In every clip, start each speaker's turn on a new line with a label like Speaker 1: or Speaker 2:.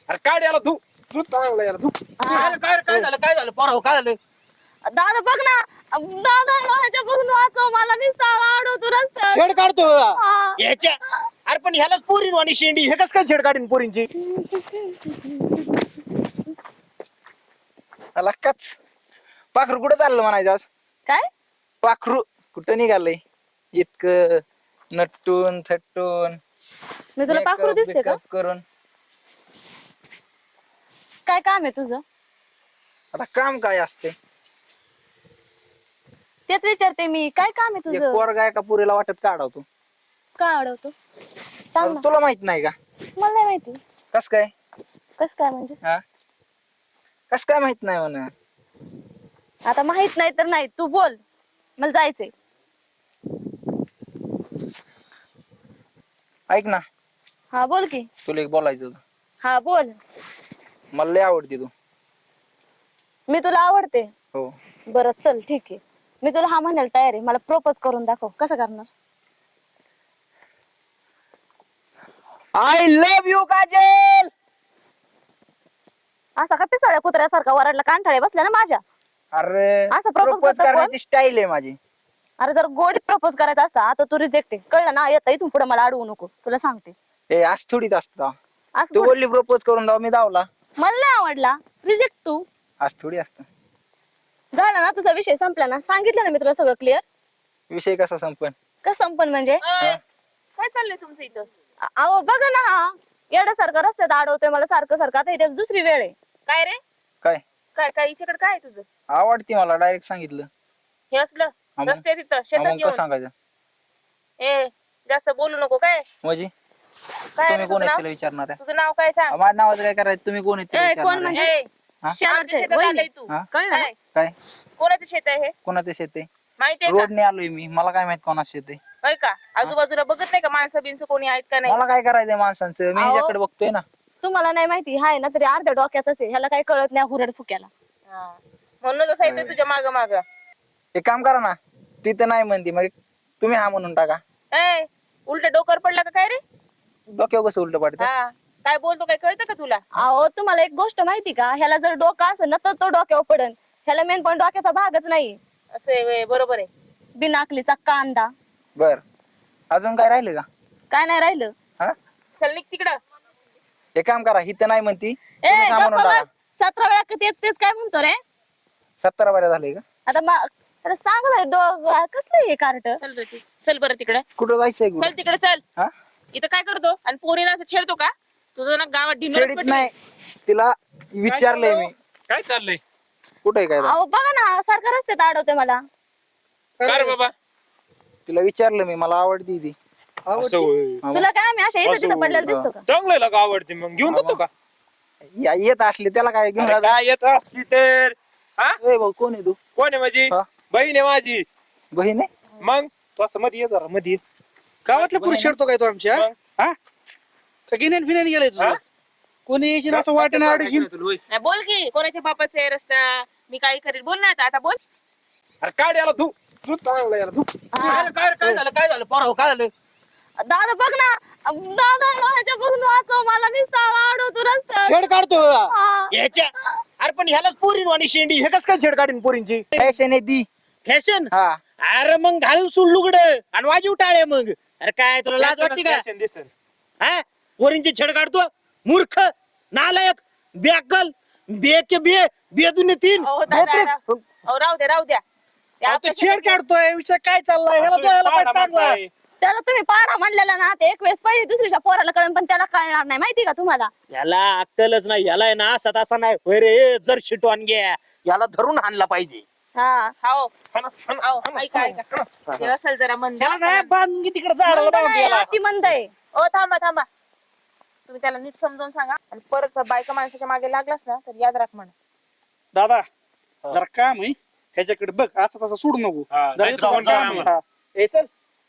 Speaker 1: अरे काढ याला तू तू चांगला याला तू
Speaker 2: काय झालं पोरा काय झालं?
Speaker 3: दादा बघ ना, दादा ह्याच्यापासून वाचव मला, नुसता अडवतो रस्त्यात.
Speaker 1: छेड काढतो
Speaker 3: हा.
Speaker 2: याच्या अरे पण ह्यालाच पोरीन आणि शेंडी हे कस काय छेड काढीन पोरींची?
Speaker 1: लक्काच पाखरू कुठं चाललं म्हणायचं आज?
Speaker 3: काय
Speaker 1: पाखरू कुठं निघालंय इतकं नटून थटून
Speaker 3: मी तुला पाखरू दिसते का?
Speaker 1: makeup करून?
Speaker 3: काय काम आहे तुझं?
Speaker 1: आता काम काय असते?
Speaker 3: तेच विचारते मी, काय काम आहे
Speaker 1: एक
Speaker 3: तुझं?
Speaker 1: पोरगा एका पुरीला वाटत काढवतो.
Speaker 3: काय अडवतो सांग ना.
Speaker 1: तुला माहित नाही का?
Speaker 3: मला नाही माहिती.
Speaker 1: कस काय?
Speaker 3: कस काय म्हणजे?
Speaker 1: हा कस काय माहित नाही म्हणा?
Speaker 3: आता माहित नाही तर नाही, तू बोल, मला जायचंय.
Speaker 1: ऐक ना,
Speaker 3: हा बोल की.
Speaker 1: तुला एक बोलायचं होतं.
Speaker 3: हा बोल.
Speaker 1: मला लय आवडते तू.
Speaker 3: मी तुला आवडते?
Speaker 1: हो.
Speaker 3: बरं चल ठीक आहे, मी तुला हा म्हणायला तयार आहे. मला प्रपोज करून दाखव, कसं करणार?
Speaker 1: I love you Kajal.
Speaker 3: असा का पिसाळ्या कुत्र्यासारखा वराडला कांठाळे बसल्या ना माझ्या?
Speaker 1: अरे
Speaker 3: असं propose
Speaker 1: प्रपोज
Speaker 3: करतो कोण?
Speaker 1: करण्याची स्टाईल आहे माझी.
Speaker 3: अरे जर गोडीत प्रपोज करायचा असता, आता तू रिजेक्ट आहे, कळलं ना? येता इथून पुढे मला अडवू नको, तुला सांगते.
Speaker 1: ए आज थोडीच असतं.
Speaker 3: असं
Speaker 1: तू
Speaker 3: थोडी-
Speaker 1: बोलली प्रपोज करून दाव, मी धावला.
Speaker 3: मला नाही आवडला, रिजेक्ट तू.
Speaker 1: आज थोडी असतं.
Speaker 3: झाला ना तुझा विषय, संपला ना? सांगितलं ना मी तुला सगळं क्लिअर.
Speaker 1: विषय कसा संपन?
Speaker 3: कसं संपन म्हणजे?
Speaker 4: काय चाललंय तुमचं इथं?
Speaker 3: अहो बघा ना, हा येण्यासारखं रस्त्यात अडवतोय मला सारखं सारखं. आता इथे दुसरी वेळ आहे.
Speaker 4: काय रे?
Speaker 1: काय
Speaker 4: काय काय हिच्याकडे काय आहे तुझं?
Speaker 1: आवडती मला, डायरेक्ट सांगितलं.
Speaker 4: हे असलं
Speaker 1: मग?
Speaker 4: रस्ते तिथं
Speaker 1: हा,
Speaker 4: शेतात
Speaker 1: मग कसं
Speaker 4: घेऊन
Speaker 1: सांगायचं
Speaker 4: ए जास्त बोलू नको. काय
Speaker 1: म्हणजे?
Speaker 4: काय
Speaker 1: तुम्ही
Speaker 4: रे
Speaker 1: कोण
Speaker 4: तुझं
Speaker 1: आहे
Speaker 4: नाव?
Speaker 1: तिला विचारणार आहे?
Speaker 4: तुझं नाव काय सांग?
Speaker 1: माझ्या नावाचं काय करायचं? तुम्ही कोण आहे तिला
Speaker 3: ए, कोण
Speaker 1: विचारणार
Speaker 3: म्हणजे?
Speaker 1: आहे?
Speaker 4: ए,
Speaker 1: हा?
Speaker 4: आमच्या
Speaker 3: शेजारचे,
Speaker 4: शेतात
Speaker 3: वहिनी.
Speaker 4: आलाय तू.
Speaker 1: हा?
Speaker 3: कळलं ना?
Speaker 4: काय?
Speaker 1: काय
Speaker 4: कोणाचं शेत आहे हे?
Speaker 1: कोणाचं शेत आहे?
Speaker 4: माहितीये का?
Speaker 1: रोडने आलोय मी, मला काय माहित कोणाचं शेत आहे?
Speaker 4: होय का? आजूबाजूला बघत नाही का माणसं बिनचं कोणी आहेत का नाही?
Speaker 1: मला काय करायचंय माणसांचं? मी
Speaker 3: अहो.
Speaker 1: ह्याच्याकडे बघतोय ना.
Speaker 3: तुम्हाला नाही माहिती, हाय ना तरी अर्ध्या डोक्यातच आहे, ह्याला काही कळत नाही हुरड फुक्याला.
Speaker 4: हा. म्हणूनच असं येतोय तुझ्या माग माग.
Speaker 1: एक काम करा ना, तिथं नाही म्हणती मग तुम्ही हा म्हणून टाका.
Speaker 4: ए उलट डोकर पडला का काय रे?
Speaker 1: डोक्यावर कसं उलट पडतं?
Speaker 4: हा काय बोलतो काय कळतं का तुला?
Speaker 3: अहो तुम्हाला एक गोष्ट माहिती का, ह्याला जर डोकं असेल ना तर तो डोक्यावर पडन. ह्याला मेन पण डोक्याचा भागच नाही.
Speaker 4: असं आहे व्हय, बरोबर आहे.
Speaker 3: बिनाकलीचा कांदा.
Speaker 1: बर अजून काय राहिलं का?
Speaker 3: काय नाही राहिलं.
Speaker 1: हा
Speaker 4: चल निघ तिकडं.
Speaker 1: एक काम करा, हिथं नाही म्हणती
Speaker 3: ए
Speaker 1: तुम्ही हा म्हणून
Speaker 3: गप्प
Speaker 1: टाका.
Speaker 3: बस. 17 वेळा तेच तेच काय म्हणतो रे?
Speaker 1: 17 बऱ्या झाले का?
Speaker 3: आता अरे सांग ना, कसलं हे कार्ट?
Speaker 4: चल रे तू चल बरं तिकडे.
Speaker 1: कुठं जायचंय?
Speaker 4: चल तिकडे चल.
Speaker 1: हा
Speaker 4: इथं काय करतो आणि पोरीला असं छेडतो का? तुझं ना गावात
Speaker 1: छेडीत
Speaker 4: ढिंडोरच
Speaker 1: नाही, तिला विचारलंय मी.
Speaker 5: काय चाललंय?
Speaker 1: कुठे काय
Speaker 3: अहो बघा ना, सारखं रस्त्यात अडवतोय मला.
Speaker 5: काय रे बाबा?
Speaker 1: तिला विचारलं मी, मला आवडती ती.
Speaker 5: असं होय.
Speaker 1: हा,
Speaker 3: तुला काय आम्ही अशा इथं
Speaker 5: असं
Speaker 3: तिथं पडलेला दिसतो का?
Speaker 5: चांगलं का आवडते मग घेऊन जातो का?
Speaker 1: येत असली त्याला काय घेऊन
Speaker 5: अरे
Speaker 1: जातो?
Speaker 5: काय येत असली तर हा?
Speaker 1: ए भाऊ, कोण आहे तू?
Speaker 5: कोण आहे माझी
Speaker 1: हा?
Speaker 5: बहीण आहे माझी.
Speaker 1: बहीण आहे?
Speaker 5: मग तू असं मध्ये ये जरा मध्ये ये.
Speaker 6: गावातल्या पुरुष छेडतो काय तो आमच्या
Speaker 5: मग?
Speaker 6: हा का गिन्यान फिन्यान गेलाय
Speaker 5: हा?
Speaker 6: तुझं? कोणी येशील असं वाटेनं अडशील.
Speaker 4: नाही, बोल की कोणाच्या बापाचा आहे रस्ता? मी काय करेल बोल ना आता बोल.
Speaker 5: अरे काढ याला तू
Speaker 1: तू चांगला याला तू.
Speaker 3: हा.
Speaker 2: काय झालं काय झालं पोरा काय झालं?
Speaker 3: दादा बघ ना, दादा ह्याच्यापासून वाचव मला, नुसता अडवतो रस्त्यात.
Speaker 1: छेड काढतो
Speaker 3: हा.
Speaker 2: याच्या अरे पण ह्यालाच पोरीन आणि शेंडी हे कस काय छेड काढीन पोरींची?
Speaker 1: फॅशन आहे ती.
Speaker 2: फॅशन?
Speaker 1: हा
Speaker 2: अरे मग घाल सुल्लुगड आणि वाजीव टाळे मग. अरे काय तुला लाज वाटते का?
Speaker 5: दिसन
Speaker 2: हा पोरींची छेड काढतो? मूर्ख, नालायक, बेअक्कल, बेदुने तीन.
Speaker 4: अहो, दादा, अहो, राहू द्या राहू द्या. ते
Speaker 6: तो
Speaker 4: आपल्या
Speaker 6: छेड काढतोय, विषय काय चाललाय ह्याला द्यायला पाहिजे चांगला.
Speaker 3: त्याला तुम्ही पाडा म्हणलेला ना, ते एक वेळेस पहिली दुसरीच्या पोराला कळण, पण त्याला कळणार नाही, माहिती का तुम्हाला?
Speaker 2: याला अक्कलच नाही, याला आहे ना असा तसा नाही होय रे. जर शिटवान घ्या याला धरून हाणला पाहिजे.
Speaker 3: हा.
Speaker 4: हो ऐका ऐका. हे असेल जरा मन
Speaker 6: ह्याला नाही बांधून की तिकडे झाडाला
Speaker 3: मंद
Speaker 6: बांधून
Speaker 3: नाही,
Speaker 6: गेला.
Speaker 3: अति मंद आहे.
Speaker 4: ओ थांबा थांबा. तुम्ही त्याला नीट समजावून सांगा आणि परत जर बायका माणसाच्या मागे लागलास ना तर याद राख म्हण.
Speaker 6: दादा जरा काम आहे ह्याच्याकडे बघ, असं तसं सोडू नको. जरा
Speaker 5: नाही
Speaker 6: इथं
Speaker 5: जाऊन
Speaker 6: काम
Speaker 5: काम
Speaker 6: आहे. हा.
Speaker 1: ए चल.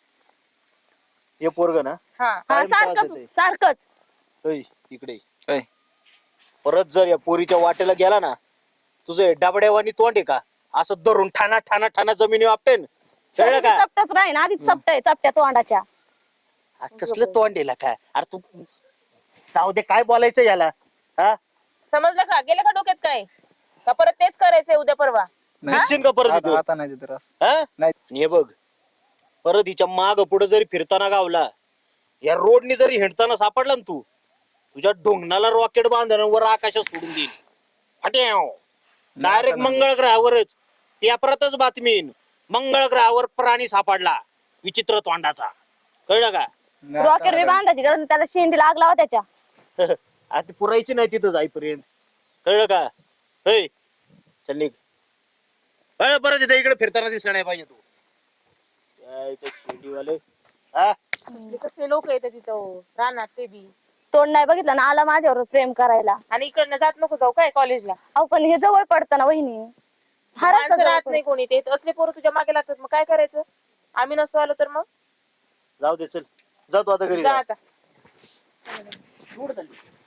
Speaker 1: हे पोरग ना
Speaker 4: हा
Speaker 3: हा
Speaker 1: कायम त्रास
Speaker 3: सारखंच
Speaker 1: देतंय.
Speaker 3: सारखंच.
Speaker 2: इकडे
Speaker 1: ऐ.
Speaker 2: परत जर या पोरीच्या वाटेला गेला ना, तुझं डबड्यावानी तोंड आहे का असं धरून ठाणा ठाणा ठाणा जमिनी वापटेन. कळलं का?
Speaker 3: चपटच राहीन, आधीच चपट चपट्या तोंडाच्या.
Speaker 2: कसलं तोंड दिला काय? अरे तू जाऊ दे, काय बोलायचं याला? हा
Speaker 4: समजलं का? गेलं का डोक्यात काय? का परत तेच करायचंय उद्या परवा?
Speaker 1: नाही,
Speaker 2: दिसशील का परत
Speaker 1: आता
Speaker 2: इथं?
Speaker 1: आता नाही देत रस.
Speaker 2: हा?
Speaker 1: नाही.
Speaker 2: हे बघ परत हिच्या माग पुढे जरी फिरताना गावला या रोडनी जरी हिंडताना सापडला ना तू तुझ्या ढोंगणाला रॉकेट बांधणं वर आकाशात सोडून देईल हट्याव डायरेक्ट
Speaker 1: नाही,
Speaker 2: मंगळ ग्रहावरच पेपरातच बातमी येईन. मंगळ ग्रहावर प्राणी सापडला विचित्र तोंडाचा कळलं का?
Speaker 1: नाही,
Speaker 3: रॉकेट बी
Speaker 1: आता
Speaker 3: बांधायची गरज नाही, त्याला शेंडी लागला हो त्याच्या.
Speaker 2: आता पुरायची नाही तिथं जाईपर्यंत कळलं का? हे चल निघ. परत इथे इकडे फिरताना दिसला नाही पाहिजे तू काय ते शेंडीवाले हा
Speaker 4: कसले लोक येतात तिथं राहणार ते बी.
Speaker 3: तोंड नाही बघितलं ना, आला माझ्यावर प्रेम करायला.
Speaker 4: आणि इकडनं जात नको जाऊ काय कॉलेजला?
Speaker 3: अहो पण हे जवळ पडतं ना वहिनी. हा रस्ता
Speaker 4: माणसं
Speaker 3: जवळ
Speaker 4: राहत
Speaker 3: पडतो.
Speaker 4: नाही कोणी, ते असले पोरं तुझ्या मागे लागतात, मग काय करायचं? आम्ही नसतो आलो तर मग
Speaker 2: जाऊ दे चल जातो आता घरी
Speaker 4: जा
Speaker 2: जा.
Speaker 4: आता.
Speaker 2: सोड झाली.